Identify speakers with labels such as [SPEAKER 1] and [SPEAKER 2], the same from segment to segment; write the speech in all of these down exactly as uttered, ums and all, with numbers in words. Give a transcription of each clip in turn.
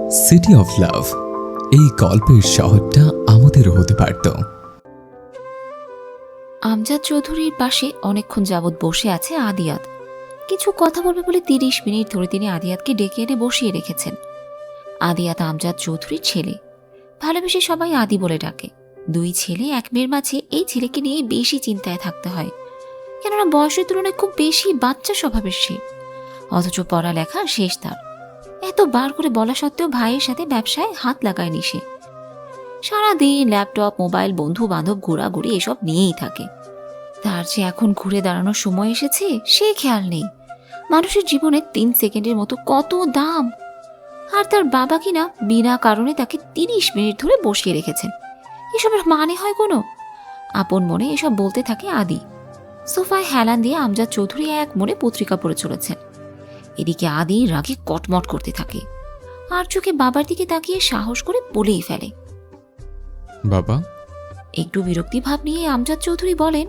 [SPEAKER 1] City of love, এই গল্পের শহরটা আমাদেরও হতে পারত।
[SPEAKER 2] আমজাদ চৌধুরীর পাশে অনেকক্ষণ যাবৎ বসে আছে আদিয়াত। কিছু কথা বলবে বলে তিরিশ মিনিট ধরে তিনি আদিয়াতকে ডেকে এনে বসিয়ে রেখেছেন। আদিয়াত আমজাদ চৌধুরীর ছেলে, ভালোবেসে সবাই আদি বলে ডাকে। দুই ছেলে এক মেয়ের মাঝে এই ছেলেকে নিয়ে বেশি চিন্তায় থাকতে হয়, কেননা বয়সের তুলনায় খুব বেশি বাচ্চা স্বভাবের সে, অথচ পড়ালেখা শেষ তার। এত বার করে বলা সত্ত্বেও ভাইয়ের সাথে ব্যবসায় হাত লাগায়নি সে। সারাদিন ল্যাপটপ, মোবাইল, বন্ধু বান্ধব, ঘোরাঘুরি এসব নিয়েই থাকে। তার যে এখন ঘুরে দাঁড়ানোর সময় এসেছে সে খেয়াল নেই। মানুষের জীবনে তিন সেকেন্ডের মতো কত দাম, আর তার বাবা কিনা বিনা কারণে তাকে তিরিশ মিনিট ধরে বসিয়ে রেখেছেন। এসবের মানে হয় কোনো? আপন মনে এসব বলতে থাকে আদি। সোফায় হেলান দিয়ে আমজাদ চৌধুরী এক মনে পত্রিকা পড়ে চলেছেন। এদিকে আদি রাগে কটমট করতে থাকে, আর চোখে বাবার দিকে তাকিয়ে সাহস করে বলেই ফেলে।
[SPEAKER 1] বাবা,
[SPEAKER 2] একটু বিরক্তি ভাব নিয়ে আমজাদ চৌধুরী বলেন,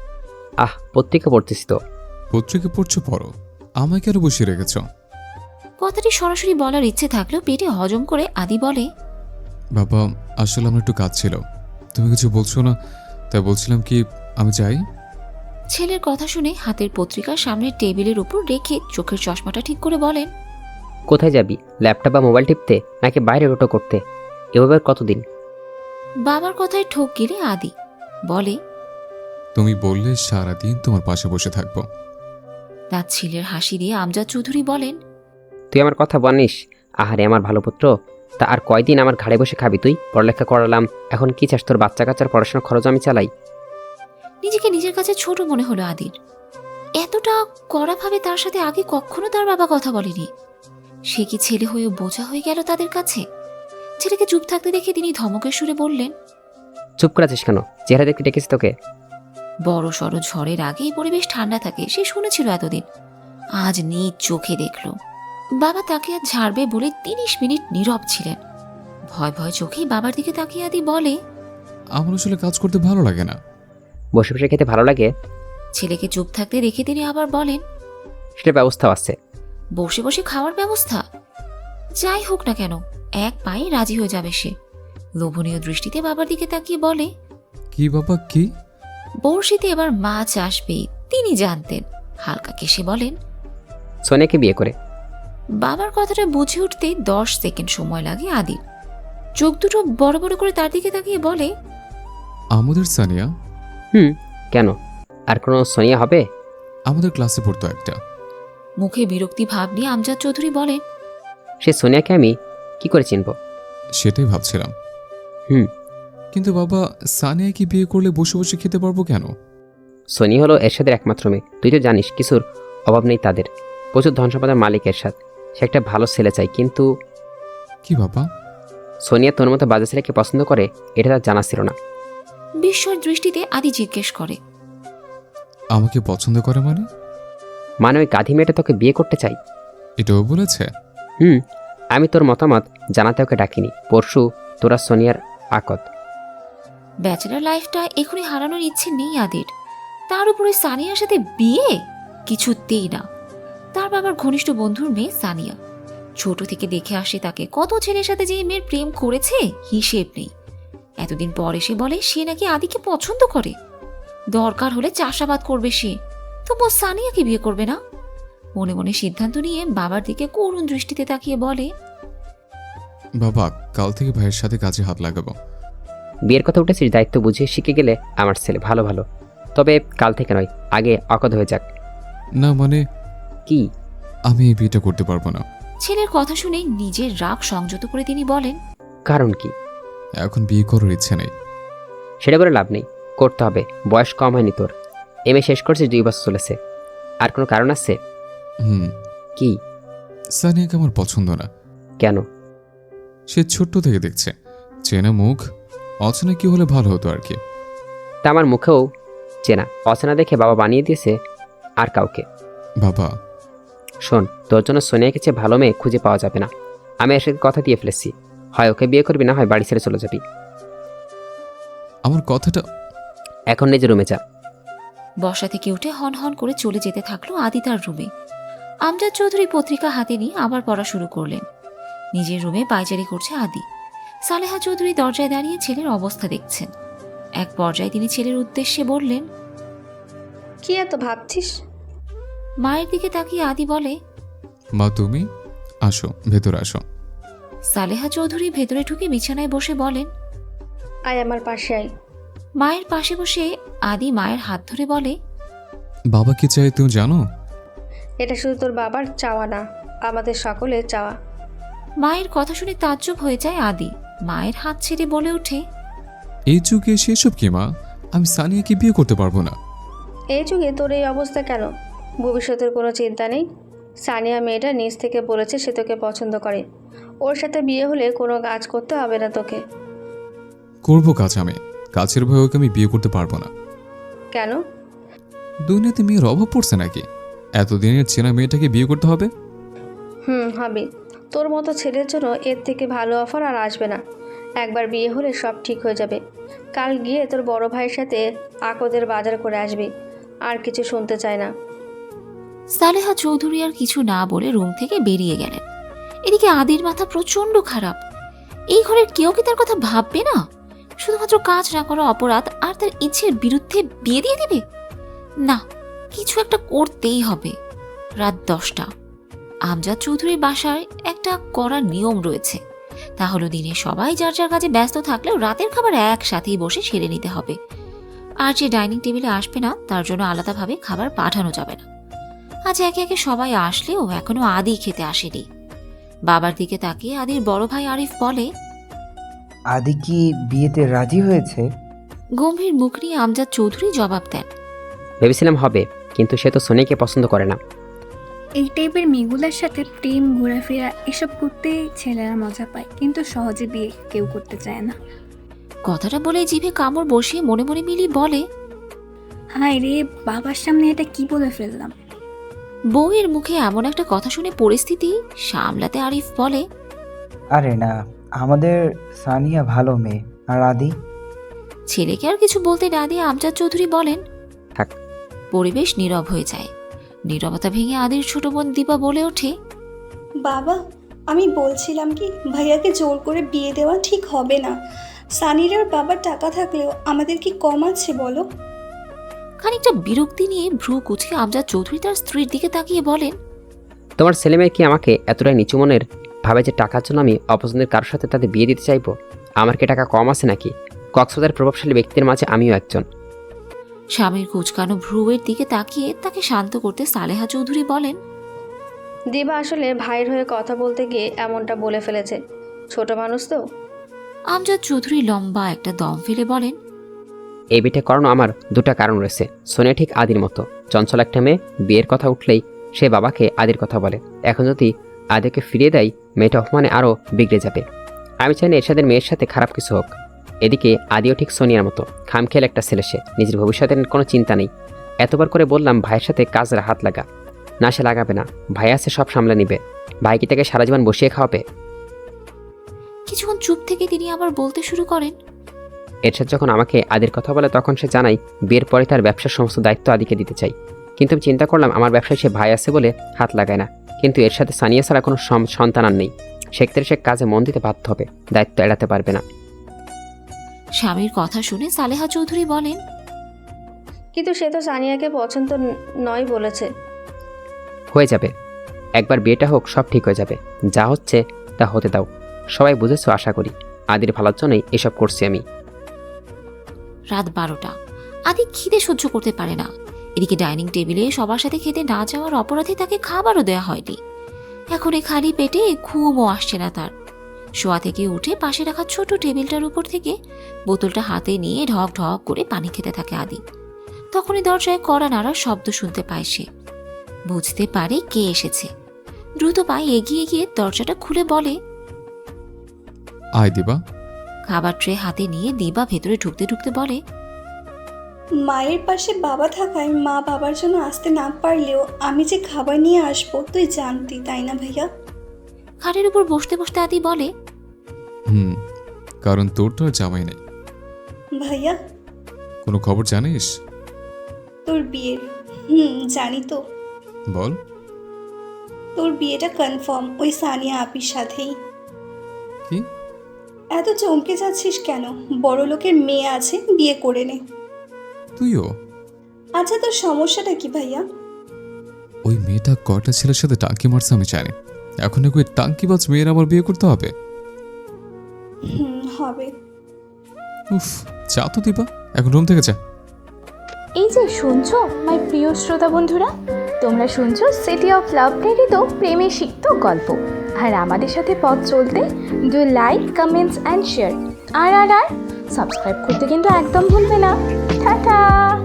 [SPEAKER 3] আহ পত্রিকা পড়তেছি তো।
[SPEAKER 1] পত্রিকা পড়ছো, পড়ো, আমায় কেন বসিয়ে রেখেছ?
[SPEAKER 2] কথাটি সরাসরি বলার ইচ্ছে থাকলেও পেটে হজম করে আদি বলে,
[SPEAKER 1] বাবা, আসলে আমার একটু কাজ ছিল, তুমি কিছু বলছো না, তাই বলছিলাম কি আমি যাই।
[SPEAKER 2] ছেলের কথা শুনে হাতের পত্রিকা সামনের টেবিলের উপর রেখে চোখের চশমাটা ঠিক করে বলেন,
[SPEAKER 3] কোথায় যাবি? ল্যাপটপ বা মোবাইল টিপতে, নাকি বাইরে রোটো করতে? এভাবে আর কতদিন?
[SPEAKER 2] বাবার কথায় ঠোক গিলে আদি বলে,
[SPEAKER 1] তুমি বললে সারাদিন তোমার পাশে বসে থাকবো।
[SPEAKER 2] তার ছেলের হাসি দিয়ে আমজাদ চৌধুরী বলেন,
[SPEAKER 3] তুই আমার কথা বানিস? আহারে আমার ভালো পুত্র, তা আর কয়দিন আমার ঘাড়ে বসে খাবি তুই? পড়ালেখা করালাম, এখন কি চাস তোর বাচ্চা কাচ্চার পড়াশোনার খরচ আমি চালাই?
[SPEAKER 2] নিজেকে নিজের কাছে ছোট মনে হলো আদির। এতটা কড়াভাবে তার সাথে আগে কখনো তার বাবা কথা বলেনি। সে কি ছেলে হয়ে বোঝা হয়ে গেল তাদের কাছে? ছেলেকে চুপ থাকতে দেখে তিনি ধমকের সুরে বললেন,
[SPEAKER 3] চুপ করে আছিস কেন? চেহারা দেখতে ডেকেছি তোকে।
[SPEAKER 2] বড় সড় ঝড়ের আগে পরিবেশ ঠান্ডা থাকে সে শুনেছিল এতদিন, আজ নিজ চোখে দেখল। বাবা তাকে আর ঝাড়বে বলে তিরিশ মিনিট নীরব ছিলেন। ভয় ভয় চোখেই বাবার দিকে তাকিয়ে আদি বলে,
[SPEAKER 1] আমার আসলে কাজ করতে ভালো লাগে না।
[SPEAKER 3] বসে বসে খেতে ভালো লাগে?
[SPEAKER 2] ছেলেকে চুপ থাকতে দেখে তিনি আবার বলেন,
[SPEAKER 3] সেটা ব্যবস্থাও আছে।
[SPEAKER 2] বসে বসে খাওয়ার ব্যবস্থা? যাই হোক না কেন, এক পায়ে রাজি হয়ে যাবে সে। লোভনীয় দৃষ্টিতে বাবার দিকে তাকিয়ে বলে,
[SPEAKER 1] কি বাবা, কি?
[SPEAKER 2] বড়শিতে এবার মাছ আসবে তিনি জানতেন। হালকা কেসে বলেন,
[SPEAKER 3] সোনিয়াকে বিয়ে করে।
[SPEAKER 2] বাবার কথাটা বুঝে উঠতে দশ সেকেন্ড সময় লাগে আদির। চোখ দুটো বড় বড় করে তার দিকে তাকিয়ে বলে,
[SPEAKER 1] আমাদের সানিয়া?
[SPEAKER 3] হুম, কেন? আর কোনো সোনিয়া হবে?
[SPEAKER 1] আমাদের ক্লাসে পড়তো একটা।
[SPEAKER 2] মুখে বিরক্তি ভাব নিয়ে আমজাদ চৌধুরী বলেন,
[SPEAKER 3] সে সোনিয়াকে আমি কি করে চিনব?
[SPEAKER 1] সেটাই ভাবছিলাম।
[SPEAKER 3] হুম,
[SPEAKER 1] কিন্তু বাবা, সানিয়া কি বিয়ে করলে বসে বসে খেতে পারবো কেন?
[SPEAKER 3] সোনিয়া হলো এরশাদের একমাত্র মেয়ে, তুই তো জানিস কিছুর অভাব নেই তাদের। প্রচুর ধন সম্পদের মালিক এরশাদ, সে একটা ভালো ছেলে চাই। কিন্তু
[SPEAKER 1] কি বাবা?
[SPEAKER 3] সোনিয়া তোর মতো বাজে ছেলেকে পছন্দ করে, এটা তার জানা ছিল না।
[SPEAKER 2] বিস্ময়ের দৃষ্টিতে আদি জিজ্ঞেস করে,
[SPEAKER 1] আমাকে পছন্দ করে মানে?
[SPEAKER 3] মানে ওই গাধি মেয়েটা তোকে বিয়ে করতে চাই।
[SPEAKER 1] এটাও বলেছে?
[SPEAKER 3] হুম, আমি তোর মতামত জানাতে ওকে ডাকিনি। পরশু তোরা সোনিয়ার আকদ।
[SPEAKER 2] ব্যাচেলার লাইফটা এখনই হারানোর ইচ্ছে নেই আদির। তার উপরে সানিয়ার সাথে বিয়ে? কিছুতেই না। তার বাবার ঘনিষ্ঠ বন্ধুর মেয়ে সানিয়া, ছোট থেকে দেখে আসে তাকে। কত ছেলের সাথে যে মেয়ের প্রেম করেছে হিসেব নেই। এতদিন পর এসে বলে সে নাকি আদিকে পছন্দ করে, দরকার হলে চাষাবাদ করবে সে, তবু সানিয়াকে বিয়ে করবে না। মনে মনে সিদ্ধান্ত নিয়ে বাবার দিকে করুণ দৃষ্টিতে তাকিয়ে বলে,
[SPEAKER 1] বাবা, কাল থেকে ভাইয়ের সাথে কাজে হাত লাগাবো।
[SPEAKER 3] বিয়ের কথা উঠেছিস, দায়িত্ব বুঝিয়ে শিখে গেলে আমার ছেলে ভালো ভালো। তবে কাল থেকে নয়, আগে আকদ হয়ে যাক।
[SPEAKER 1] না মানে,
[SPEAKER 3] কি?
[SPEAKER 1] আমি এই বিয়েটা করতে পারবো না।
[SPEAKER 2] ছেলের কথা শুনে নিজের রাগ সংযত করে তিনি বলেন,
[SPEAKER 3] কারণ কি?
[SPEAKER 1] এখন বিয়ে করার ইচ্ছে নেই।
[SPEAKER 3] সেটা বলে লাভ নেই, করতে হবে। বয়স কম হয়নি তোর, এম এ শেষ করছিস, দুই বছর চলেছে। আর কোনো কারণ আছে?
[SPEAKER 1] হুম,
[SPEAKER 3] কি?
[SPEAKER 1] সানিয়াকে আমার পছন্দ না।
[SPEAKER 3] কেন?
[SPEAKER 1] সে ছোট্ট থেকে দেখছে, চেনা মুখ, অচেনা কি হলে ভালো হতো আর কি।
[SPEAKER 3] তা আমার মুখেও চেনা অচেনা দেখে বাবা বানিয়ে দিয়েছে আর কাউকে।
[SPEAKER 1] বাবা,
[SPEAKER 3] শোন, তোর জন্য সোনিয়াকে চেয়ে ভালো মেয়ে খুঁজে পাওয়া যাবে না। আমি এর সাথে কথা দিয়ে ফেলেছি, হয় ওকে বিয়ে করবি, না হয় বাড়ি ছেড়ে চলে যাবি।
[SPEAKER 1] আমার কথাটা।
[SPEAKER 3] এখন নিজের রুমে যা।
[SPEAKER 2] বসা থেকে উঠে হন হন করে চলে যেতে থাকলো আদি তার রুমে। আমজাদ চৌধুরী পত্রিকা হাতে নিয়ে আবার পড়া শুরু করলেন। নিজের রুমে পায়চারি করছে আদি। সালেহা চৌধুরী দরজায় দাঁড়িয়ে ছেলের অবস্থা দেখছেন। এক পর্যায়ে তিনি ছেলের উদ্দেশ্যে বললেন,
[SPEAKER 4] কি এত ভাবছিস?
[SPEAKER 2] মায়ের দিকে তাকিয়ে আদি বলে,
[SPEAKER 1] মা তুমি আসো, ভেতর আসো।
[SPEAKER 2] সালেহা চৌধুরী ভেতরে ঢুকে বিছানায় বসে বলেন,
[SPEAKER 4] আয় আমার পাশে আয়।
[SPEAKER 2] মায়ের পাশে বসে আদি মায়ের হাত ধরে বলে,
[SPEAKER 1] বাবা কি চাই তুমি জানো?
[SPEAKER 4] এটা শুধু তোর বাবার চাওয়া না, আমাদের সকলের চাওয়া।
[SPEAKER 2] মায়ের কথা শুনে তাজ্জব হয়ে যায় আদি। মায়ের হাত ছেড়ে বলে ওঠে,
[SPEAKER 1] এই যুগে সেসব কি মা? আমি সানিয়াকে বিয়ে করতে পারবো না।
[SPEAKER 4] এই যুগে তোর এই অবস্থা কেন? ভবিষ্যতের কোনো চিন্তা নেই। সানিয়া মেয়েটা নিজ থেকে বলেছে সে তোকে পছন্দ করে। ওর সাথে বিয়ে হলে কোনো কাজ করতে হবে না তোকে।
[SPEAKER 1] করবো কাজ আমি, কাছের ভয়ে ওকে আমি বিয়ে করতে পারবো না।
[SPEAKER 4] কেন?
[SPEAKER 1] দুনিয়াতে মেয়ের অভাব পড়ছে নাকি এতদিনের চেনা মেয়েটাকে বিয়ে করতে হবে?
[SPEAKER 4] হুম হবে। তোর মতো ছেলের জন্য এর থেকে ভালো অফার আর আসবে না। একবার বিয়ে হলে সব ঠিক হয়ে যাবে। কাল গিয়ে তোর বড় ভাইয়ের সাথে আকদের বাজার করে আসবি। আর কিছু শুনতে চায় না।
[SPEAKER 2] সালেহা চৌধুরী আর কিছু না বলে রুম থেকে বেরিয়ে গেলেন। এদিকে আদির মাথা প্রচন্ড খারাপ। এই ঘরের কেউ কি তার কথা ভাববে না? শুধুমাত্র কাজ না করা অপরাধ আর তার ইচ্ছের বিরুদ্ধে বিয়ে দিয়ে দিবে? না, কিছু একটা করতেই হবে। রাত দশটা। আমজাদ চৌধুরীর বাসায় একটা কড়া নিয়ম রয়েছে। তা হলো দিনে সবাই যার যার কাজে ব্যস্ত থাকলেও রাতের খাবার একসাথেই বসে সেরে নিতে হবে। আর যে ডাইনিং টেবিলে আসবে না তার জন্য আলাদাভাবে খাবার পাঠানো যাবে না। আজ একে একে সবাই আসলেও এখনো আদি খেতে আসেনি। বাবার দিকে তাকিয়ে আদির বড় ভাই আরিফ বলে,
[SPEAKER 5] আদি কি বিয়েতে রাজি হয়েছে?
[SPEAKER 2] গম্ভীর মুখ নিয়ে আমজাদ চৌধুরী জবাব দেন,
[SPEAKER 3] ভেবেছিলাম হবে, কিন্তু সে তো সোনিয়াকে পছন্দ করে না।
[SPEAKER 6] এই টাইপের মেয়েগুলোর সাথে প্রেম ঘোরাফেরা এসব করতেই ছেলেরা মজা পায়, কিন্তু সহজে বিয়ে কেউ করতে চায় না।
[SPEAKER 2] কথাটা বলে জিভে কামড় বসিয়ে মনে মনে মিলি বলে,
[SPEAKER 6] হায় রে, বাবার সামনে এটা কি বলে ফেললাম।
[SPEAKER 2] বউয়ের মুখে এমন একটা কথা শুনে পরিস্থিতি সামলাতে আরিফ বলে,
[SPEAKER 5] আরে না, আমাদের সানিয়া ভালো মেয়ে। আর আদি?
[SPEAKER 2] ছেলেকে আর কিছু বলতে না দিয়ে আমজাদ চৌধুরী বলেন,
[SPEAKER 3] থাক।
[SPEAKER 2] পরিবেশ নীরব হয়ে যায়। নীরবতা ভেঙে আদির ছোট বোন দীপা বলে ওঠে,
[SPEAKER 7] বাবা, আমি বলছিলাম কি, ভাইয়াকে জোর করে বিয়ে দেওয়া ঠিক হবে না। সানির আর বাবার টাকা থাকলেও আমাদের কি কম আছে বলো?
[SPEAKER 2] খানিকটা বিরক্তি নিয়ে ভ্রু কুচকে আমজাদ চৌধুরী তার স্ত্রীর দিকে তাকিয়ে বলেন,
[SPEAKER 3] তোমার ছেলেমেয়ে কি আমাকে এতটাই নিচু মনের ভাবে যে টাকার জন্য আমি অপছন্দের কারোর সাথে তাদের বিয়ে দিতে চাইবো? আমার কি টাকা কম আছে নাকি? কক্সবাজার প্রভাবশালী ব্যক্তির মাঝে আমিও একজন।
[SPEAKER 2] স্বামীর কুচকানো ভ্রুয়ের দিকে তাকিয়ে তাকে শান্ত করতে সালেহা চৌধুরী বলেন,
[SPEAKER 4] দিবা আসলে ভাইয়ের হয়ে কথা বলতে গিয়ে এমনটা বলে ফেলেছে। ছোট মানুষ তো।
[SPEAKER 2] আমজাদ চৌধুরী লম্বা একটা দম ফেলে বলেন,
[SPEAKER 3] এই বিটা করানো আমার দুটা কারণ রয়েছে। সোনিয়া ঠিক আদির মতো চঞ্চল একটা মেয়ে, বিয়ের কথা উঠলেই সে বাবাকে আদির কথা বলে। এখন যদি আদিকে ফিরিয়ে দেয়, মেয়েটা অপমানে আরও বিগড়ে যাবে। আমি চাই না এরশাদের মেয়ের সাথে খারাপ কিছু হোক। এদিকে আদিও ঠিক সোনিয়ার মতো খামখেয়াল একটা ছেলে, সে নিজের ভবিষ্যতের কোনো চিন্তা নেই। এতবার করে বললাম ভাইয়ের সাথে কাজের হাত লাগা, না সে লাগাবে না। ভাই আছে, সব সামলে নিবে। ভাই কি তাকে সারা জীবন বসিয়ে খাওয়াবে?
[SPEAKER 2] কিছুক্ষণ চুপ থেকে তিনি আবার বলতে শুরু করেন,
[SPEAKER 3] এরশাদ যখন আমাকে আদির কথা বলে তখন সে জানাই বিয়ের পরে তার ব্যবসার সমস্ত দায়িত্ব আদিকে দিতে চাই। কিন্তু আমি চিন্তা করলাম আমার ব্যবসায় সে ভাই আছে বলে হাত লাগায় না। কিন্তু এর সাথে সানিয়া ছাড়া কোনো সন্তান আর নেই। সেক্ষেত্রে সে কাজে মন দিতে বাধ্য হবে, দায়িত্ব এড়াতে পারবে না।
[SPEAKER 2] স্বামীর কথা শুনে সালেহা চৌধুরী বলেন,
[SPEAKER 4] কিন্তু সে তো সানিয়াকে পছন্দ ন- নয় বলেছে।
[SPEAKER 3] হয়ে যাবে, একবার বিয়েটা হোক, সব ঠিক হয়ে যাবে। যা হচ্ছে তা হতে দাও। সবাই বুঝেছো আশা করি। আদির ভালোর জন্যই এসব করছি আমি।
[SPEAKER 2] রাত বারোটা। আদি খিদে সহ্য করতে পারে না। এদিকে ডাইনিং টেবিলে সবার সাথে খেতে না যাওয়ার অপরাধে তাকে খাবারও দেওয়া হয়নি। এখন এই খালি পেটে ঘুমও আসছে না তার। শোয়া থেকে উঠে পাশে রাখা ছোট টেবিলটার উপর থেকে বোতলটা হাতে নিয়ে ঢক ঢক করে পানি খেতে থাকে আদি। তখনই দরজায় কড়া নাড়ার শব্দ শুনতে পায় সে। বুঝতে পারে কে এসেছে। দ্রুত পায়ে এগিয়ে গিয়ে দরজাটা খুলে বলে,
[SPEAKER 1] আয় দিবা।
[SPEAKER 2] খাবার ট্রে হাতে নিয়ে দিবা ভেতরে ঢুকতে ঢুকতে বলে,
[SPEAKER 7] মায়ের পাশে বাবা থাকায় মা বাবার জন্য আসতে না পারলেও আমি যে খাবার নিয়ে আসবো তুই জানতি, তাই না ভাইয়া?
[SPEAKER 2] খাটের উপর বসতে বসতে আদি বলে,
[SPEAKER 1] হুম, কারণ তোর তো আর জামাই নেই।
[SPEAKER 7] ভাইয়া,
[SPEAKER 1] কোনো খবর জানিস?
[SPEAKER 7] তোর বিয়ের। হুম, জানি তো।
[SPEAKER 1] বল।
[SPEAKER 7] তোর বিয়েটা কনফার্ম ওই সানিয়া আপির সাথেই।
[SPEAKER 1] কি?
[SPEAKER 7] এত চমকে যাচ্ছিস কেন? বড় লোকের মেয়ে আছে, বিয়ে করে নে।
[SPEAKER 1] তুইও?
[SPEAKER 7] আচ্ছা, তোর সমস্যাটা কি ভাইয়া?
[SPEAKER 1] ওই মেয়েটা কয়টা ছেলের সাথে টাঙ্কি মারছে আমি জানি। এখন নাকি ওই টাঙ্কিবাজ মেয়ের আমার বিয়ে করতে হবে?
[SPEAKER 7] হুম, হবে।
[SPEAKER 1] উফ, যা তো দিবা, এখন রুম থেকে যা।
[SPEAKER 8] এই যে শুনছো মাই প্রিয় শ্রোতা বন্ধুরা, তোমরা শুনছো সিটি অফ লাভ প্রেরিত প্রেমে সিক্ত গল্প। আর আমাদের সাথে পথ চলতে do like, comments and share. আর আর আর সাবস্ক্রাইব করতে কিন্তু একদম ভুলবে না। টাটা।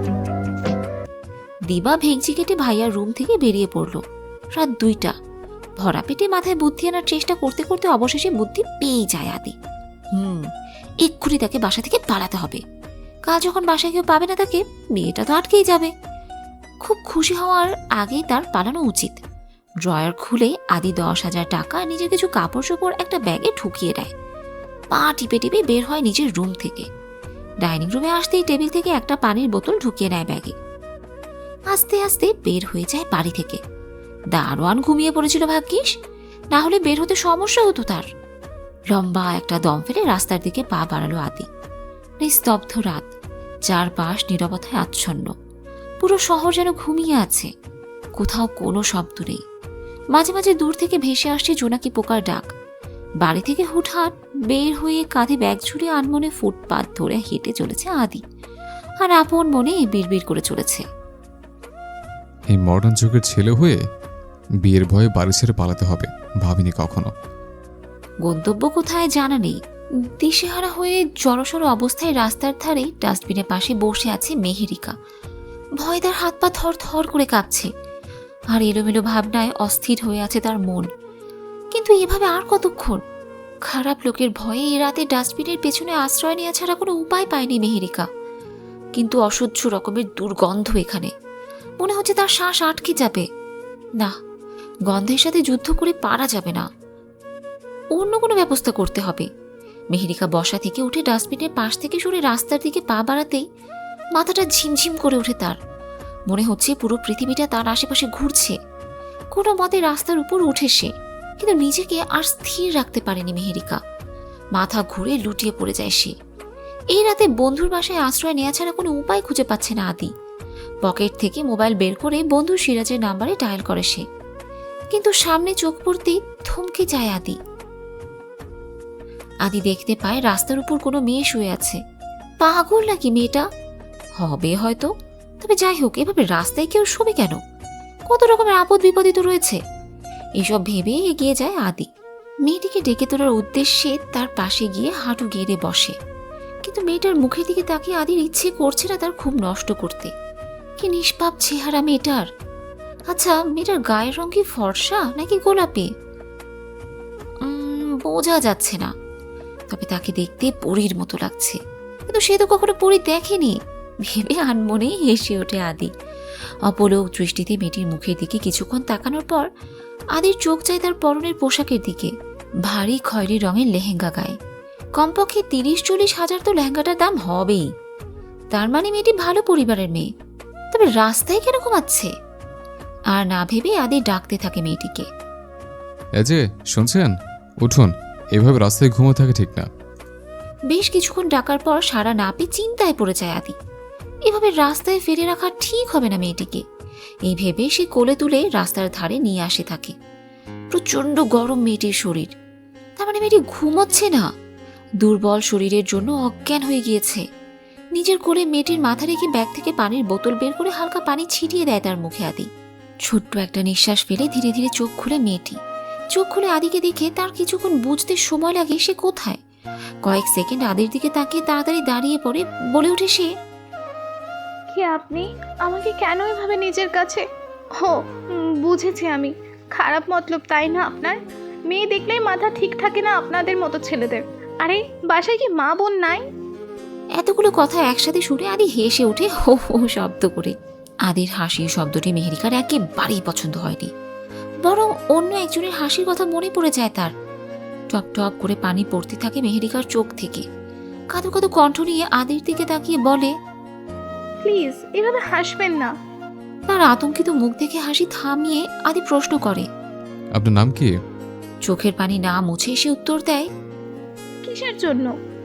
[SPEAKER 2] দিবা ভেঙচি কেটে ভাইয়ার রুম থেকে বেরিয়ে পড়ল। রাত দুইটা। ভরা পেটে মাথায় বুদ্ধি আনার চেষ্টা করতে করতে অবশেষে বুদ্ধি পেয়ে যায় আদি। হুম এক্ষুনি তাকে বাসা থেকে পালাতে হবে। কাল যখন বাসায় কেউ পাবে না তাকে, বিয়েটা তো আটকেই যাবে। খুব খুশি হওয়ার আগেই তার পালানো উচিত। ড্রয়ার খুলে আদি দশ হাজার টাকা নিজের কিছু কাপড় চোপড় একটা ব্যাগে ঢুকিয়ে দেয়। পা টিপে টিপে বের হয় নিজের রুম থেকে। ডাইনিং রুমে আসতেই টেবিল থেকে একটা পানির বোতল ঢুকিয়ে নেয় ব্যাগে। আস্তে আস্তে বের হয়ে যায় বাড়ি থেকে। দারোয়ান ঘুমিয়ে পড়েছিল ভাগ্যিস, না হলে বের হতে সমস্যা হতো তার। লম্বা একটা দম ফেলে রাস্তার দিকে পা বাড়ালো আদি। নিস্তব্ধ রাত, চারপাশ নীরবতায় আচ্ছন্ন। পুরো শহর যেন ঘুমিয়ে আছে, কোথাও কোনো শব্দ নেই। মাঝে মাঝে দূর থেকে ভেসে আসছে জোনাকি পোকার ডাক। বাড়ি থেকে হুটহাট বের হয়ে কাঁধে ব্যাগ ঝুড়ে আনমনে ফুটপাত ধরে হেঁটে চলেছে আদি, আর আপন মনে বিড়বিড় করে চলেছে।
[SPEAKER 1] এই মডার্ন যুগের ছেলে হয়ে বিয়ের ভয়ে বাড়ি ছেড়ে পালাতে হবে ভাবিনি কখনো।
[SPEAKER 2] গন্তব্য কোথায় জানা নেই। দিশেহারা হয়ে জড়সড় অবস্থায় রাস্তার ধারে ডাস্টবিনের পাশে বসে আছে মেহেরিকা। ভয় তার হাত পা থর থর করে কাঁপছে, আর এলোমেলো ভাবনায় অস্থির হয়ে আছে তার মন। কিন্তু এভাবে আর কতক্ষণ? খারাপ লোকের ভয়ে এ রাতে ডাস্টবিনের পেছনে আশ্রয় নেওয়া ছাড়া কোনো উপায় পায়নি মেহেরিকা। কিন্তু অসহ্য রকমের দুর্গন্ধ এখানে। মনে হচ্ছে তার শ্বাস আটকে যাবে। না, গন্ধের সাথে যুদ্ধ করে পারা যাবে না, অন্য কোনো ব্যবস্থা করতে হবে। মেহেরিকা বসা থেকে উঠে ডাস্টবিনের পাশ থেকে সরে রাস্তার দিকে পা বাড়াতেই মাথাটা ঝিমঝিম করে ওঠে তার। মনে হচ্ছে পুরো পৃথিবীটা তার আশেপাশে ঘুরছে। কোনো মতে রাস্তার উপর উঠে সে, কিন্তু নিজেকে আর স্থির রাখতে পারেনি মেহেরিকা। মাথা ঘুরে লুটিয়ে পড়ে যায় সে। এই রাতে বন্ধুর বাসায় আশ্রয় নেওয়া ছাড়া কোনো উপায় খুঁজে পাচ্ছে না আদি। পকেট থেকে মোবাইল বের করে বন্ধু সিরাজের নাম্বারে ডায়াল করে সে, কিন্তু সামনে চোখ পড়তেই থমকে যায় আদি। আদি দেখতে পায় রাস্তার উপর কোনো মেয়ে শুয়ে আছে। পাগল নাকি মেয়েটা? হবে হয়তো, তবে যাই হোক, এভাবে রাস্তায় কেউ শোবে কেন? কত রকমের আপদ বিপদই তো রয়েছে। এসব ভেবে এগিয়ে যায় আদি। মেয়েটিকে ডেকে তোলার উদ্দেশ্যে তার পাশে গিয়ে হাঁটু গেড়ে বসে, কিন্তু মেয়েটার মুখের দিকে তাকিয়ে আদির ইচ্ছে করছে না তার খুব নষ্ট করতে। কি নিষ্পাপ চেহারা মেয়েটার! আচ্ছা, মেয়েটার গায়ের রং কি ফর্সা নাকি গোলাপি? বোঝা যাচ্ছে না, তবে তাকে দেখতে পরীর মতো লাগছে। কিন্তু সে তো কখনো পরী দেখেনি ভেবে আনমনেই হেসে ওঠে আদি। অপলক দৃষ্টিতে মেয়েটির মুখের দিকে কিছুক্ষণ তাকানোর পর আদির চোখ যায় তার পরনের পোশাকের দিকে। ভারী খয়েরি রঙের লেহেঙ্গা গায়ে। কমপক্ষে তিরিশ চল্লিশ হাজার তো লেহেঙ্গাটার দাম হবেই। তার মানে মেয়েটি ভালো পরিবারের মেয়ে, তবে রাস্তায় কেন ঘুমাচ্ছে? আর না ভেবে আদি ডাকতে থাকে মেয়েটিকে।
[SPEAKER 1] এই যে শুনছেন, উঠুন, এভাবে রাস্তায় ঘুমো থাকে ঠিক না।
[SPEAKER 2] বেশ কিছুক্ষণ ডাকার পর সারা না পেয়ে চিন্তায় পড়ে যায় আদি। এভাবে রাস্তায় ফেলে রাখা ঠিক হবে না মেয়েটিকে। এই ভেবে সে কোলে তুলে রাস্তার ধারে নিয়ে আসে থাকে। প্রচন্ড গরম মেয়েটির শরীর, তার মানে মেয়েটি ঘুমোচ্ছে না, দুর্বল শরীরের জন্য অজ্ঞান হয়ে গিয়েছে। নিজের কোলে মেয়েটির মাথা রেখে ব্যাগ থেকে পানির বোতল বের করে হালকা পানি ছিটিয়ে দেয় তার মুখে আদি। ছোট্ট একটা নিঃশ্বাস ফেলে ধীরে ধীরে চোখ খুলে মেয়েটি। চোখ খুলে আদিকে দেখে তার কিছুক্ষণ বুঝতে সময় লাগে সে কোথায়। কয়েক সেকেন্ড আদির দিকে তাকিয়ে তাড়াতাড়ি দাঁড়িয়ে পড়ে বলে ওঠে সে,
[SPEAKER 8] কি আপনি আমাকে কেন এভাবে নিজের কাছে? হো, উম, বুঝেছি আমি। খারাপ মতলব তাই না আপনার? মেয়ে দেখলেই মাথা ঠিক থাকে না আপনাদের মতো ছেলেদের। আরে বাসায় কি মা বোন নাই?
[SPEAKER 2] এতগুলো কথা একসাথে শুনে আদি হেসে ওঠে হো হো শব্দ করে। আদির হাসির শব্দটি মেহেরিকার একেবারেই পছন্দ হয়নি, বরং অন্য একজনের হাসির কথা মনে পড়ে যায় তার। টপ টপ করে পানি পড়তে থাকে মেহেরিকার চোখ থেকে। কাঁদো কাঁদো কণ্ঠ নিয়ে আদির দিকে তাকিয়ে বলে,
[SPEAKER 8] প্লিজ এভাবে হাসবেন না।
[SPEAKER 2] তার আতঙ্কিত মুখ দেখে হাসি থামিয়ে আদি প্রশ্ন করে,
[SPEAKER 1] আপনার নাম কি?
[SPEAKER 2] চোখের পানি না মুছে সে উত্তর দেয়,
[SPEAKER 8] কিসের জন্য?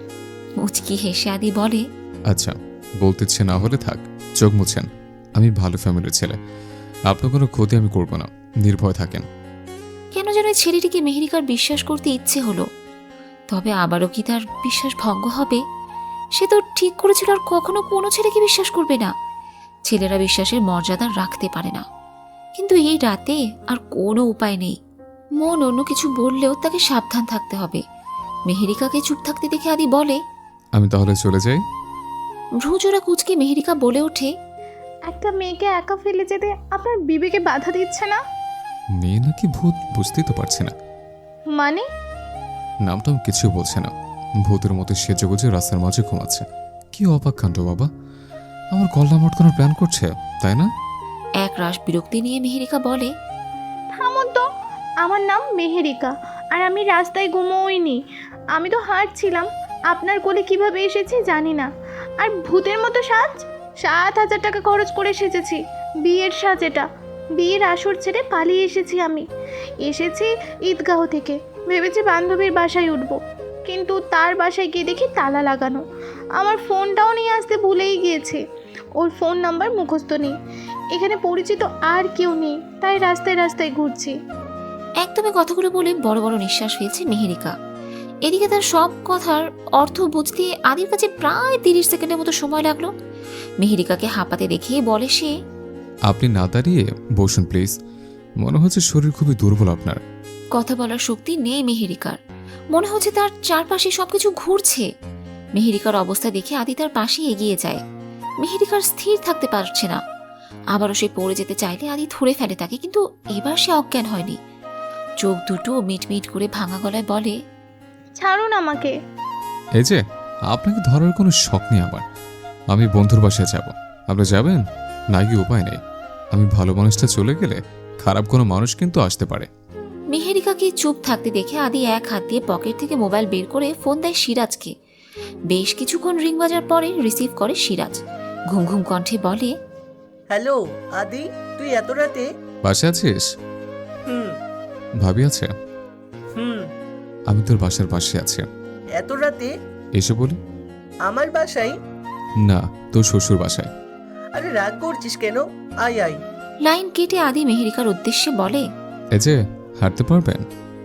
[SPEAKER 2] মুচকি হেসে আদি বলে,
[SPEAKER 1] আচ্ছা, বলতে ইচ্ছে না হলে থাক, চোখ মুছেন। আমি ভালো ফ্যামিলির ছেলে, আপনার কোনো ক্ষতি আমি করব না, নির্ভয় থাকেন।
[SPEAKER 2] কেন যেন এই ছেলেটিকে মেহেরিকার বিশ্বাস করতে ইচ্ছে হলো। তবে আবারও কি তার বিশ্বাস ভঙ্গ হবে? সে তো ঠিক করেছিল আর কখনো কোনো ছেলেকে বিশ্বাস করবে না। ছেলেরা বিশ্বাসের মর্যাদা রাখতে পারে না, কিন্তু এই রাতে আর কোনো উপায় নেই। মন অন্য কিছু বললেও তাকে সাবধান থাকতে হবে। মেহেরিকাকে চুপ থাকতে দেখে আদি বলে,
[SPEAKER 1] আমি তাহলে চলে যাই।
[SPEAKER 2] ভ্রুজোড়া কুচকে মেহেরিকা বলে ওঠে,
[SPEAKER 8] একটা মেয়েকে একা ফেলে যেতে আপনার বিবেকে বাধা দিচ্ছে না?
[SPEAKER 1] মেয়ে নাকি ভূত বুঝতেই তো পারছি না।
[SPEAKER 8] মানে?
[SPEAKER 1] নামটা কিছু বলছে না, ভূতের মতো সেজে গুজে রাস্তার মাঝে ঘুমাচ্ছে। কি অবাক কাণ্ড বাবা, আমার কল্লা মটকানোর প্ল্যান করছে তাই না?
[SPEAKER 2] এক রাশ বিরক্তি নিয়ে মেহেরিকা বলে,
[SPEAKER 8] থামুন তো, আমার নাম মেহেরিকা আর আমি রাস্তায় ঘুমোইনি। আমি তো হাঁটছিলাম, আপনার কোলে কিভাবে এসেছি জানি না। আর ভূতের মতো সাজ? সাত হাজার টাকা খরচ করে সেজেছি, বিয়ের সাজ এটা। বিয়ের আসর ছেড়ে পালিয়ে এসেছি আমি। এসেছি ঈদগাহ থেকে, ভেবেছি বান্ধবীর বাসায় উঠবো, কিন্তু তার বাসায় গিয়ে দেখি তালা লাগানো। আমার ফোনটাও নিয়ে আসতে ভুলেই গিয়েছে, ওর ফোন নাম্বার মুখস্থ নেই। এখানে পরিচিত আর কেউ নেই, তাই রাস্তায় রাস্তায় ঘুরছি।
[SPEAKER 2] একদমই কথাগুলো বলে বড় বড় নিঃশ্বাস ফেলছে মেহেরিকা। এদিকে তার সব কথার অর্থ বুঝতে আদির কাছে প্রায় তিরিশ সেকেন্ডের মতো সময় লাগলো। মেহেরিকাকে হাঁপাতে দেখে বলে সে,
[SPEAKER 1] আপনি না দাঁড়িয়ে বসুন প্লিজ, মনে হচ্ছে শরীর খুবই দুর্বল আপনার।
[SPEAKER 2] কথা বলার শক্তি নেই মেহেরিকার, মনে হচ্ছে তার চারপাশে সবকিছু ঘুরছে। মেহেরিকার অবস্থা দেখে আদি তার পাশে এগিয়ে যায়। মেহেরিকার স্থির থাকতে পারছে না, আবারও সে পড়ে যেতে চাইলে আদি ধরে ফেলে তাকে, কিন্তু এবার সে অজ্ঞান হয়নি। চোখ দুটো মিটমিট করে ভাঙা গলায় বলে,
[SPEAKER 8] ছাড়ুন আমাকে।
[SPEAKER 1] এই যে, আপনাকে ধরার কোনো শখ নেই আমার। আমি বন্ধুর বাসায় যাব, আপনি যাবেন? না গিয়ে উপায় নেই, আমি ভালো মানুষটা চলে গেলে খারাপ কোনো মানুষ কিন্তু আসতে পারে।
[SPEAKER 2] মেহেরিকাকে চুপ থাকতে দেখে আদি এক হাত দিয়ে পকেট থেকে মোবাইল বের করে ফোন দেয় সিরাজকে। বেশ কিছুক্ষণ রিং বাজার পরে রিসিভ করে সিরাজ। ঘুম ঘুম কণ্ঠে বলে,
[SPEAKER 9] হ্যালো আদি, তুই এত রাতে?
[SPEAKER 1] বাসায় আছিস?
[SPEAKER 9] হুম
[SPEAKER 1] ভাবি আছে?
[SPEAKER 9] হুম
[SPEAKER 1] আমি তোর বাসার পাশে আছি।
[SPEAKER 9] এত রাতে
[SPEAKER 1] এসে বলি?
[SPEAKER 9] আমার বাসায়?
[SPEAKER 1] না, তোর শ্বশুর বাসায়।
[SPEAKER 9] আরে রাগ করছিস কেন? আয় আয়।
[SPEAKER 2] লাইন কেটে আদি মেহেরিকার উদ্দেশ্যে বলে,
[SPEAKER 1] এই যে, হাঁটতে পারবেন?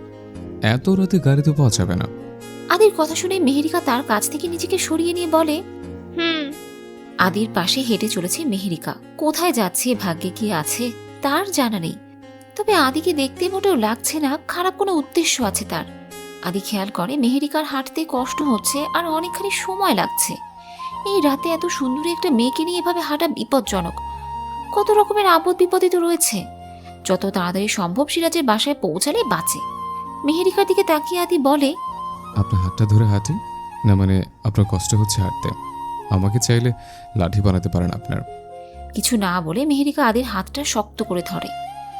[SPEAKER 1] এত রাতে গাড়িতে পাওয়া যাবে না।
[SPEAKER 2] আদির কথা শুনে মেহেরিকা তার কাছ থেকে নিজেকে সরিয়ে নিয়ে বলে,
[SPEAKER 8] হুম।
[SPEAKER 2] আদির পাশে হেঁটে চলেছে মেহেরিকা। কোথায় যাচ্ছে, ভাগ্যে কি আছে তার জানা নেই, তবে আদিকে দেখতে মোটেও লাগছে না খারাপ কোনো উদ্দেশ্য আছে তার। আদি খেয়াল করে মেহেরিকার হাঁটতে কষ্ট হচ্ছে আর অনেকখানি সময় লাগছে। এই রাতে এত সুন্দরী একটা মেয়েকে নিয়ে এভাবে হাঁটা বিপজ্জনক। কত রকমের আপদ বিপদে তো রয়েছে। যত তাড়াতাড়ি সম্ভব সিরাজের বাসায় পৌঁছালে বাঁচে। মেহেরিকার দিকে তাকিয়ে আদি বলে,
[SPEAKER 1] আপনার হাতটা ধরে হাঁটি না, মানে আপনার কষ্ট হচ্ছে হাঁটতে, আমাকে চাইলে লাঠি বানাতে পারেন আপনার।
[SPEAKER 2] কিছু না বলে মেহেরিকা আদির হাতটা শক্ত করে ধরে।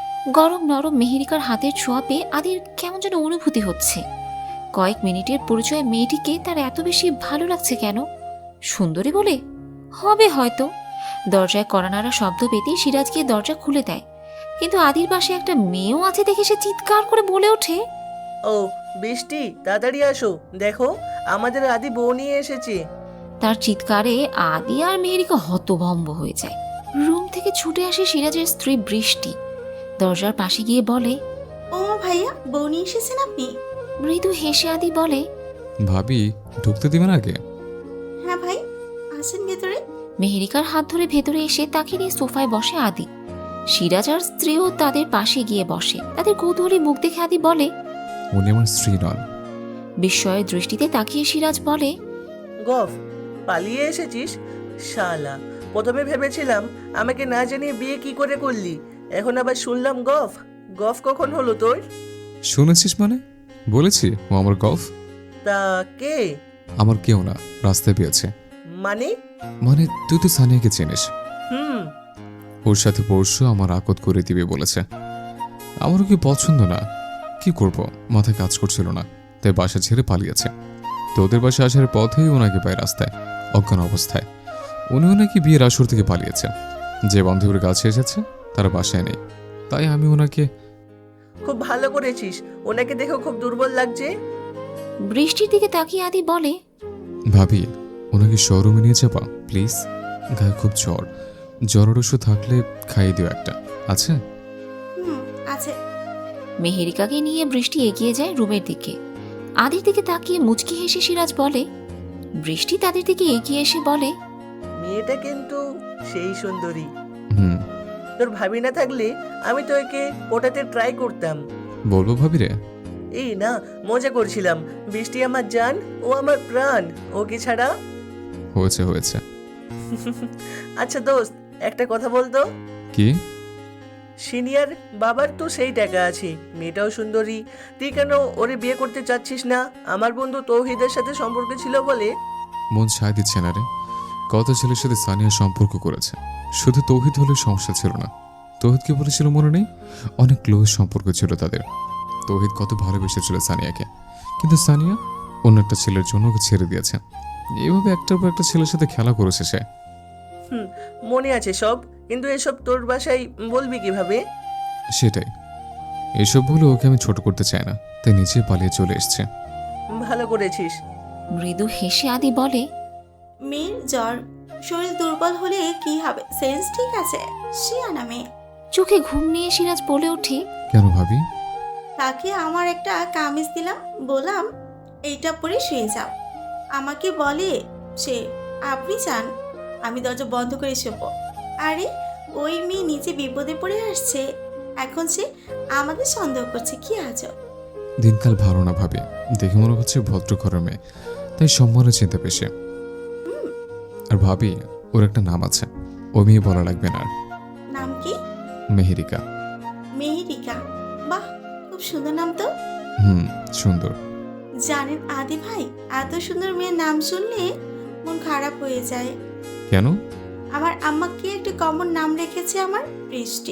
[SPEAKER 2] গরম নরম মেহেরিকার হাতের ছোঁয়া পেয়ে আদির কেমন যেন অনুভূতি হচ্ছে। কয়েক মিনিটের পরিচয় মেয়েটিকে তার এত বেশি ভালো লাগছে কেন? সুন্দরী বলে হবে হয়তো। দরজায় কড়ানাড়া শব্দ পেতেই সিরাজ গিয়ে দরজা খুলে দেয়, কিন্তু আদির পাশে একটা মেয়েও আছে দেখে সে চিৎকার করে বলে ওঠে,
[SPEAKER 9] ও বৃষ্টি, তাড়াতাড়ি আসো, দেখো আমাদের আদি বউ নিয়ে এসেছে।
[SPEAKER 2] তার চিৎকারে আদি আর মেহেরিকা হতভম্ব হয়ে যায়। রুম থেকে ছুটে আসে সিরাজের স্ত্রী বৃষ্টি। দরজার পাশে গিয়ে বলে,
[SPEAKER 10] ও ভাইয়া, বউ নিয়ে এসেছেন আপনি?
[SPEAKER 2] মৃদু হেসে আদি বলে,
[SPEAKER 1] ভাবি ঢুকতে দিবেন আগে?
[SPEAKER 10] হ্যাঁ ভাই, আসেন ভেতরে।
[SPEAKER 2] মেহেরিকার হাত ধরে ভেতরে এসে তাকে নিয়ে সোফায় বসে আদি। সিরাজ আর স্ত্রীও তাদের পাশে গিয়ে বসে। তাদের কৌতূহলী মুখ দেখে আদি বলে,
[SPEAKER 1] উনি আমার স্ত্রী নন।
[SPEAKER 2] বিস্ময়ের দৃষ্টিতে তাকিয়ে সিরাজ বলে,
[SPEAKER 9] গফ, পালিয়ে এসেছিস শালা। প্রথমে ভেবেছিলাম আমাকে না জানিয়ে বিয়ে কি করে করলি, এখন আবার শুনলাম গফ। গফ কখন হলো তোর?
[SPEAKER 1] শুনেছিস মানে? বলেছি ও আমার গল্ফ।
[SPEAKER 9] তা কে?
[SPEAKER 1] আমার কেউ না, রাস্তায় পেয়েছে।
[SPEAKER 9] মানে?
[SPEAKER 1] মানে তুই তো সানিয়াকে চিনিস।
[SPEAKER 9] হুম
[SPEAKER 1] ওর সাথে পরশু আমার আকত করে দিবে বলেছে। আমারও কি পছন্দ না, কি করব, মাথায় কাজ করছিল না, তাই বাসা ছেড়ে পালিয়েছে। তোদের বাসা আসার পথেই ওনাকে পায় রাস্তায় অজ্ঞান অবস্থায়। উনিও নাকি বিয়ের আসর থেকে পালিয়েছে। যে বান্ধবীর কাছে এসেছে তারা বাসায় নেই, তাই আমি ওনাকে।
[SPEAKER 9] খুব ভালো করেছিস, ওনাকে দেখো খুব দুর্বল লাগছে।
[SPEAKER 2] বৃষ্টির দিকে তাকিয়ে আদি বলে,
[SPEAKER 1] ভাবি ওনাকে শোরুমে নিয়ে যাবা প্লিজ। গায়ে খুব জ্বর, জ্বরের ওষুধ থাকলে খাইয়ে দিও একটা, আছে?
[SPEAKER 10] হুম আছে।
[SPEAKER 2] মেহেরিকাকে নিয়ে বৃষ্টি এগিয়ে যায় রুমের দিকে। আদির দিকে তাকিয়ে মুচকি হেসে সিরাজ বলে। বৃষ্টি তাদের দিকে এগিয়ে এসে বলে,
[SPEAKER 9] মেয়েটা কিন্তু সেই সুন্দরী।
[SPEAKER 1] হুম,
[SPEAKER 9] তোর ভাবি না থাকলে আমি তো একে ওটাতে ট্রাই করতাম।
[SPEAKER 1] বলবো ভাবি রে?
[SPEAKER 9] এই না, মজা করছিলাম। বৃষ্টি আমার জান, ও আমার প্রাণ, ওকে ছাড়া।
[SPEAKER 1] হয়েছে হয়েছে।
[SPEAKER 9] আচ্ছা দোস্ত, একটা কথা বলতো।
[SPEAKER 1] কি?
[SPEAKER 9] সিনিয়র বাবার তো সেই টাকা আছে, মেয়েটাও সুন্দরী, তুই কেন ওরে বিয়ে করতে চাচ্ছিস না? আমার বন্ধু তৌহিদের সাথে সম্পর্ক ছিল বলে।
[SPEAKER 1] মন সায় দিচ্ছে না রে। কত ছেলের সাথে সানিয়া সম্পর্ক করেছে, শুধু তৌহিদ হলে সমস্যা ছিল না। তৌহিদকে বলেছিল মনে নেই? অনেক ক্লোজ সম্পর্ক ছিল তাদের। তৌহিদ কত ভালোবেসেছিল সানিয়াকে, কিন্তু সানিয়া অন্য একটা ছেলের জন্য ওকে ছেড়ে দিয়েছে। এইভাবে একটার পর একটা ছেলের সাথে খেলা করেছে সে।
[SPEAKER 9] হুম, মনে আছে সব, কিন্তু এসব তোর বাসায় বলবি কিভাবে?
[SPEAKER 1] সেটাই, এসব বলে ওকে আমি ছোট করতে চাই না, তাই নিচে পালিয়ে চলে এসছে।
[SPEAKER 9] ভালো করেছিস।
[SPEAKER 2] মৃদু হেসে আদি বলে,
[SPEAKER 10] মেয়ের জ্বর, শরীর দুর্বল হলে কি হবে? সেন্স ঠিক আছে, শিয়ানা মেয়ে।
[SPEAKER 2] চোখে ঘুম নিয়ে সিরাজ বলে ওঠে,
[SPEAKER 1] কেন ভাবি?
[SPEAKER 10] তাকে আমার একটা কামিজ দিলাম, বললাম এইটা পরে শুয়ে যাও। আমাকে বলে সে, আপনি চান আমি দরজা বন্ধ করে শোবো? আরে ওই মেয়ে নিচে বিপদে পড়ে আসছে, এখন সে আমাদের সন্দেহ করছে, কি আজব।
[SPEAKER 1] দিনকাল ভালো না ভাবি, দেখে মনে হচ্ছে ভদ্র ঘরের মেয়ে, তাই সম্মানের চিন্তা পেশে। আর ভাবি ওর একটা নাম আছে, ও মেয়ে বলা লাগবে না আর।
[SPEAKER 10] নাম কি?
[SPEAKER 1] মেহেরিকা।
[SPEAKER 10] মেহেরিকা, বাহ খুব সুন্দর নাম তো।
[SPEAKER 1] হুম, সুন্দর।
[SPEAKER 10] জানেন আদি ভাই, এত সুন্দর মেয়ের নাম শুনলে মন খারাপ হয়ে যায়।
[SPEAKER 1] কেন?
[SPEAKER 10] আমার আম্মাকে একটা কমন নাম রেখেছে, আমার বৃষ্টি।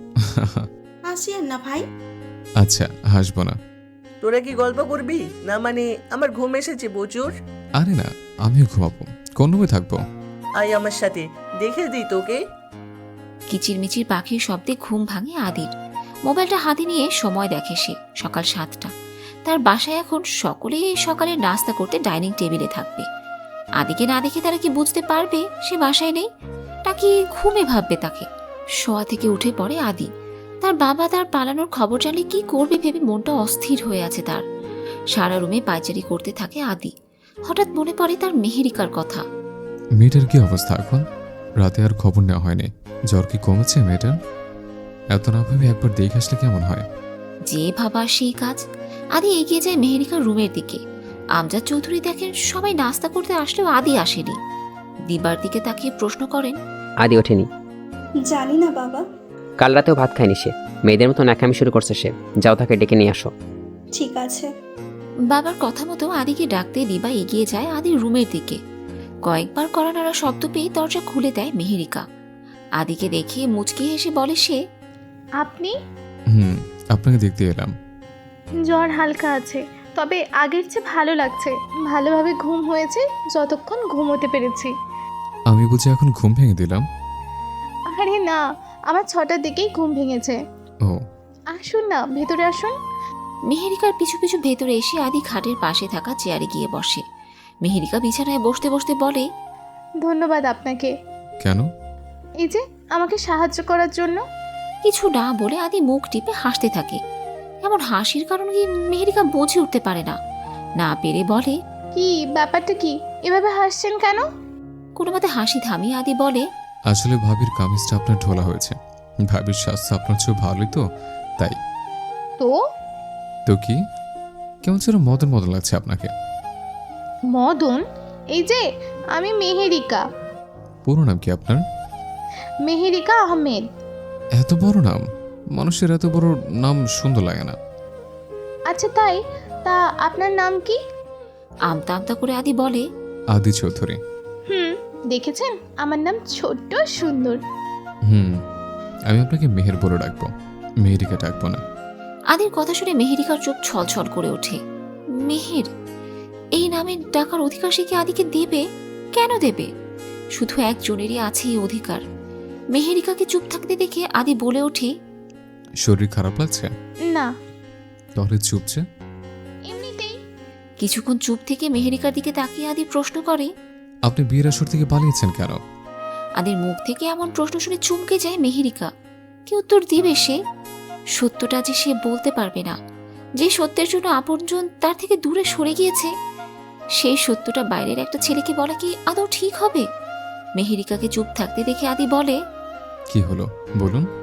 [SPEAKER 10] হাসিয়েন না ভাই।
[SPEAKER 1] আচ্ছা, হাসবো না।
[SPEAKER 9] তোরা কি গল্প করবি না? মানে আমার ঘুম এসেছে প্রচুর।
[SPEAKER 1] আরে না, আমিও ঘুমাবো, কোন রুমে থাকবো?
[SPEAKER 9] আয় আমার সাথে, দেখে দিই তোকে।
[SPEAKER 2] কিচিরমিচির পাখির শব্দে ঘুম ভাঙে আদির। মোবাইলটা হাতে নিয়ে সময় দেখে সে, সকাল সাতটা। তার বাসায় এখন সকলে সকালে নাস্তা করতে ডাইনিং টেবিলে থাকবে। আদিকে না দেখে তারা কি বুঝতে পারবে সে বাসায় নেই, নাকি ঘুমে ভাববে তাকে? শোয়া থেকে উঠে পড়ে আদি। তার বাবা তার পালানোর খবর জানলে কি করবে ভেবে মনটা অস্থির হয়ে আছে তার। সারা রুমে পায়চারি করতে থাকে আদি। হঠাৎ মনে পড়ে তার মেহেরিকার কথা।
[SPEAKER 1] মেয়েটার কি অবস্থা এখন? রাতে আর খবর নেওয়া হয়নি, জ্বর কি কমেছে মেয়েটার? এত না ভাবে একবার দেখে আসলে কেমন হয়?
[SPEAKER 2] যে ভাবা সেই কাজ। আদি এগিয়ে যায় মেহেরিকার রুমের দিকে। আমজাদ চৌধুরী দেখেন সবাই নাস্তা করতে আসলেও আদি আসেনি। দিবার দিকে তাকিয়ে প্রশ্ন করেন,
[SPEAKER 3] আদি ওঠেনি?
[SPEAKER 7] জানি না বাবা।
[SPEAKER 3] কাল রাতেও ভাত খায়নি সে, মেয়েদের মতো নাকামি শুরু করছে সে। যাও তাকে ডেকে নিয়ে আসো।
[SPEAKER 7] ঠিক আছে।
[SPEAKER 2] বাবার কথা মতো আদিকে ডাকতে দিবা এগিয়ে যায় আদির রুমের দিকে। কয়েকবার কড়া নাড়া শব্দ পেয়ে দরজা খুলে দেয় মেহেরিকা। আদিকে দেখে মুচকি হেসে বলে সে,
[SPEAKER 8] আপনি?
[SPEAKER 1] হুম, আপনাকে দেখতে এলাম।
[SPEAKER 8] জ্বর হালকা আছে, তবে আগের চেয়ে ভালো লাগছে। ভালোভাবে ঘুম হয়েছে যতক্ষণ ঘুমোতে পেরেছি।
[SPEAKER 1] আমি বুঝি এখন ঘুম ভেঙে দিলাম?
[SPEAKER 8] আরে না, আমার ছটার দিকেই ঘুম ভেঙেছে।
[SPEAKER 1] ও
[SPEAKER 8] আসুন না, ভেতরে আসুন।
[SPEAKER 2] মেহেরিকার পিছু পিছু ভেতরে এসে আদি খাটের পাশে থাকা চেয়ারে গিয়ে বসে। মেহেরিকা বিছানায় বসতে বসতে বলে,
[SPEAKER 8] ধন্যবাদ আপনাকে।
[SPEAKER 1] কেন?
[SPEAKER 8] এই যে আমাকে সাহায্য করার জন্য।
[SPEAKER 2] কিছু না বলে আদি মুখ টিপে হাসতে থাকে। এমন হাসির কারণ কি মেহেরিকা বুঝে উঠতে পারে না। না পেরে বলে,
[SPEAKER 8] কি ব্যাপারটা কি? এভাবে হাসছেন কেন?
[SPEAKER 2] কোনো মতে হাসি থামিয়ে আদি বলে,
[SPEAKER 1] আসলে ভাবির কামিজটা আপনার ঢোলা হয়েছে। ভাবির স্বাস্থ্য আপনার চেয়ে ভালোই তো, তাই।
[SPEAKER 8] তো
[SPEAKER 1] তো কি? কেমন যেন মদন মদন লাগছে আপনাকে।
[SPEAKER 8] মদন? এই যে আমি মেহেরিকা।
[SPEAKER 1] পুরো নাম কি আপনার?
[SPEAKER 8] মেহেরিকা আহমেদ।
[SPEAKER 1] এত বড় নাম, মানুষের এত বড় নাম সুন্দর লাগে না।
[SPEAKER 8] আচ্ছা তাই, তা আপনার নাম কি?
[SPEAKER 2] আমতা আমতা করে আদি বলে,
[SPEAKER 1] আদি চৌধুরী।
[SPEAKER 8] হুম, দেখেছেন আমার নাম ছোট্ট সুন্দর।
[SPEAKER 1] হুম, আমি আপনাকে মেহের বলে ডাকবো, মেহেরিকা ডাকবো না।
[SPEAKER 2] আদির কথা শুনে মেহেরিকার চোখ ছলছল করে ওঠে। মেহের, এই নামে ডাকার অধিকার সে কি আদিকে দেবে? কেন দেবে? শুধু একজনেরই আছে এই অধিকার। মেহেরিকাকে চুপ থাকতে দেখে আদি বলে ওঠে,
[SPEAKER 1] শরীর খারাপ লাগছে?
[SPEAKER 8] না,
[SPEAKER 1] তাহলে চুপছে।
[SPEAKER 8] এমনিতেই।
[SPEAKER 2] কিছুক্ষণ চুপ থেকে মেহেরিকার দিকে তাকিয়ে আদি প্রশ্ন করে,
[SPEAKER 1] আপনি বিয়ের আসর থেকে পালিয়েছেন কেন?
[SPEAKER 2] আদির মুখ থেকে এমন প্রশ্ন শুনে চমকে যায় মেহেরিকা। কি উত্তর দিবে সে? সত্যটা যে সে বলতে পারবে না। যে সত্যের জন্য আপনজন তার থেকে দূরে সরে গিয়েছে, সেই সত্যটা বাইরের একটা ছেলেকে বলা কি আদৌ ঠিক হবে? মেহেরিকাকে চুপ থাকতে দেখে আদি বলে,
[SPEAKER 1] কি হলো বলুন।